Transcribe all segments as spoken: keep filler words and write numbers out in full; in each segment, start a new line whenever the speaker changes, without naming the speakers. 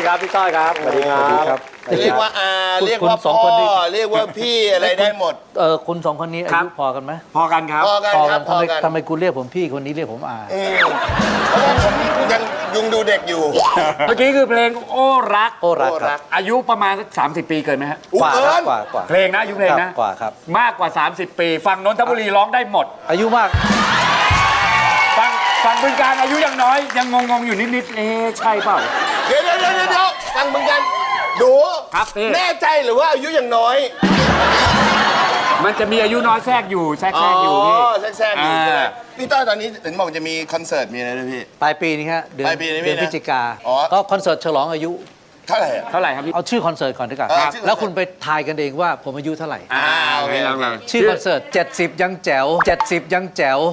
ครับพี่ต้อยครับสวัสดีครับ
เรียกว่าอาเรียกว่าพ่อเรียกว่าพี่อะไรได้หมด
เออคุณสองคนนี้อายุพอกันไหม
พอกันครับ
พอกันครับพ
ทำ
อ
ไม
กัน
ทำไมคุณเรียกผมพี่คนนี้เรียกผมอา
เพราะว่าผมยังยุงดูเด็กอยู่
เมื่อกี้คือเพลงโอ้รัก
โอ้รักครับ
อายุประมาณสามสิบปีเกินไหมฮะ
กว่า
เกิ
ครับ
น
กว่ากว่า
เพลงนะอายุเพลงนะ
กว่าครับ
มากกว่าสามสิบปีฟังนนทบุรีร้องได้หมด
อายุมาก
ฟังฟังบึงการอายุยังน้อยยังงงๆอยู่นิดๆเอ๊ะใช่เปล่า
เดี๋ยวเดี๋ยวเดี๋ยวเดี๋ยวฟังเหมือนกันดู
ครับพี่
แน่ใจหรือว่าอายุยังน้อย
มันจะมีอายุน้อยแทรกอยู่แทรกแทรกอยู่พี่
แทรกๆอยู่ใช่ไหม
อ่า
พี่ต้อยตอนนี้เห็นบอกจะมีคอนเสิร์ตมีอะไรด้วยพี่
ปลายปีนี้ฮะเดือน
ปลายปีนี้
เดือน
นะ
พฤศจิกา
อ๋อ
ก็คอนเสิร์ตฉลองอายุ
เท่าไหร่อะ
เท่าไหร่ครับพี่
เอาชื่อคอนเสิร์ตก่อนดีกว่า
เออชื่อคอนเสิร์ต
แล้วคุณไปทายกันเองว่าผมอายุเท่าไหร่
อ่าโอเค
โอเค
ลอง
ชื่อคอนเสิร์ตเจ็ดสิบยังแจ๋วเจ็ดสิบยังแจ๋ว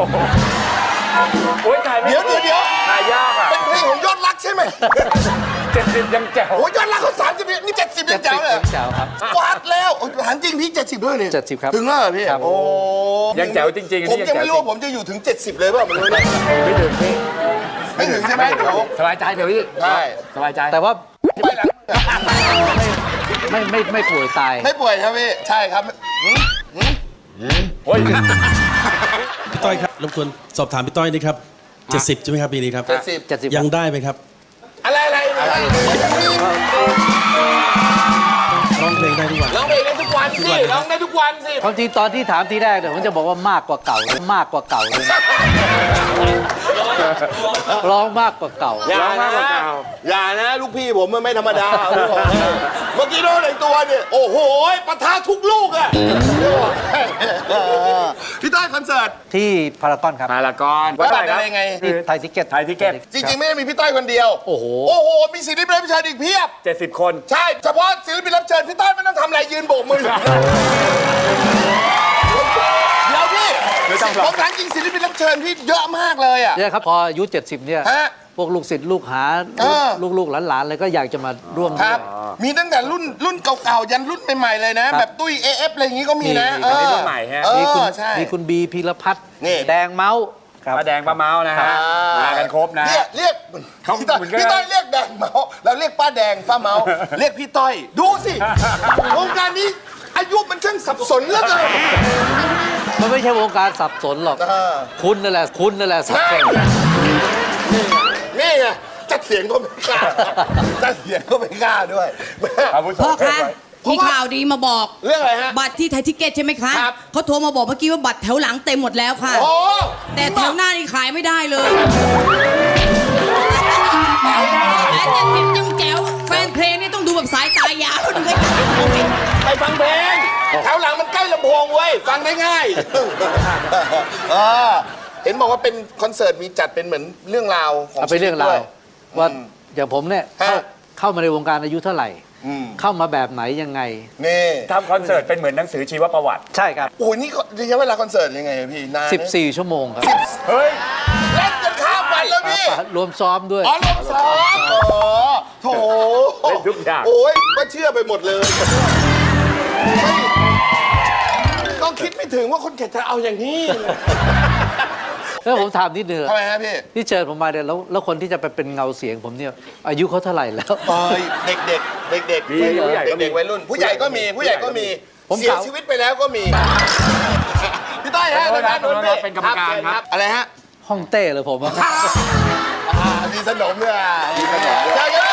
โอ้ยถ่ายไม่
เดี๋ยวเดี๋ยวเดี๋ยว
ถ่ายยากอ่ะ
เป็นเพลงของยอดรักใช่ไหม
เจ็ดสิบยังแจ๋ว
โอ้ยยอดรักเขาสามสิบนี่เจ็ดสิบยังแจ๋วเลย
แจ๋วครับ
วาดแล้วโอ้ยหันจริงพี่เจ็ดสิบด้วยเนี่ย
เจ็ดสิบครับ
ถึงแล้วเหรอพี่
ครับ
โอ้
ยังแจ๋วจริงๆ
ผม
นี่
ยังไม่รู้
แจ๋ว
ว่าผมจะอยู่ถึงเจ็ดสิบเลยเปล่าไม่รู้เนี่ย
ไม่ถึงพี่
ไม่ถึงใช่ไหมเดี๋ยว
สบายใจเถอะพี่
ใช่
สบายใจ
แต่ว่า
ไม่หลัง
ไม่ไม่ไม่ป่วยตาย
ไม่ป่วยครับพี่ใช่ครับหืมหืม
โอ้ย
พี่ต้อยครับรบกวนสอบถามพี่ต้อยนี่ครับเจ็ดสิบใช่ไหมครับปีนี้ครับ
เจ็ดสิบ
เจ็ดสิบ
ยังได้ไหมครับ
อะไรอะไรอะไร
ร้องเพลงได้ทุกวัน
ร้องเพลงได้ทุกวันสิร้องได้ทุกวันสิ
ความจริงตอนที่ถามทีแรกเนี่ยผมจะบอกว่ามากกว่าเก่าเลยมากกว่าเก่าเลยร้องมากกว่าเก่า
อย่านะอย่านะลูกพี่ผมมันไม่ธรรมดาเอาไว้ก่อนเมื่อกี้น้องในตัวเนี่ยโอ้โหปะทะทุกลูกอะพี่ต้อยคอนเสิร์ต
ที่พารากอนครับ
พารากอน
วัดบัตรอะไรไง
ที่ไทยทิเก็ต
ไทยทิเก็ต
จริงๆไม่ได้มีพี่ต้อยคนเดียว
โอ้โห
โอ้โหมีศิลปินรับเชิญอีกเพียบ
เจ็ดสิบคน
ใช่เฉพาะศิลปินรับเชิญพี่ต้อยไม่ต้องทำอะไรยืนโบกมือเดี๋ยวพี่ผมถามจริงศิลปินรับเชิญพี่เยอะมากเลยอ่ะ
เนี่ยครับพออายุเจ็ดสิบเนี่ย
ฮะ
พวกลูกศิษย์ลูกหา
เออ
ลูกลูกๆหลานๆเลยก็อยากจะมาร่วม
ค
ด้
รั
ว
บ
ย
มีตั้งแต่รุ่นรุ่นเก่าๆยันรุ่นใหม่ๆเลยนะ
ครับ
แบบตุ้ย เอ เอฟ อะไรอย่างงี้ก็มีนะ
มี
เออ
รุ่นใหม่ฮะ
เอ
มีคุณ
อใช่
มีคุณบีพีรพัฒน์
นี่
แดงเมาส์ครับ
ป้าแดงป้าเมาส์นะฮะมากันครบนะ
เรียกเรียก
เขา
พี่ต้อย
เหมือนกัน
พี่ต้อยเรียกแดงเมาเราเรียกป้าแดงป้าเมาเรียกพี่ต้อยดูสิวงการนี้อายุมันช่างสับสนเหลือเกิน
มันไม่ใช่วงการสับสนหรอก
เออ
คุณนั่นแหละคุณนั่นแหละสับสน
นี่ไงจัดเสียงก็ไม่กล้าจัดเสียงก็ไม่กล้าด้วย
อาวุโส
พ่อ
เกิน
เพ
ไป
ราะ
คะมี
ว่า
ข่าวดีมาบอก
เรื่องอะไรฮะ
บัตรที่ไทยทิเก็ตใช่ไหมคะ
ครับ
เขาโทรมาบอกเมื่อกี้ว่าบัตรแถวหลังเต็มหมดแล้วค่ะ
โอ้
แต่แถวหน้านี่ขายไม่ได้เลยแต่เจ็ดสิบยังแจ๋วแฟนเพลงนี่ต้องดูแบบสายตายาวดูใกล้
ไปฟังเพลงแถวหลังมันใกล้ลำโพงเว้ยฟังได้ง่ายเออเห็นบอกว่าเป็นคอนเสิร์ตมีจัดเป็นเหมือนเรื่องราวของ
เอาไปเรื่องราว
ชีวิตด้วย
ว่าอย่างผมเนี่ยเข้า
ฮะ
เข้ามาในวงการอายุเท่าไหร่
อืม
เข้ามาแบบไหนยังไง
นี่
ทำคอนเสิร์ตเป็นเหมือนหนังสือชีวประวัติ
ใช่ครับ
โอ้ยนี่ก็ระยะเวลาคอนเสิร์ตยังไงอะพี่นานนะ
สิบสี่ ชั่วโมงครับ
เฮ้ย
เล่นจนข้ามวันแล้วพี่
รวมซ้อมด้วย
อ๋อลงซ้อมอ๋อโถ
เล่นทุกอย่าง
โอ้ยก็เชื่อไปหมดเลยไม่ต้องคิดไม่ถึงว่าคนแก่จะเอาอย่างนี้
แล้วผมถามนิดนึง
ทำไมฮะพี่
ที่เชิญผมมาเนี่ยแล้วแล้วคนที่จะไปเป็นเงาเสียงผมเนี่ยอายุเขาเท่าไหร่แล้ว
เอ้ยเด็กเด็กเด็กเด็ก
มีผู้ใหญ่ก็มี
เด็กๆวัยรุ่น ผู้ใหญ่ก็มีผู้ใหญ่ก็มี
ผม
เสีย
กล่าว
ชีวิตไปแล้วก็มีพี่ต้อยฮะ
ขอโทษนะ
ทางด้านโน้นพี่
เป็นกรรมการครับ
อะไรฮะ
ห้องเต้เลยผมอะ
อ่ามีสนมด้วยอ่ะมีสนมด้วย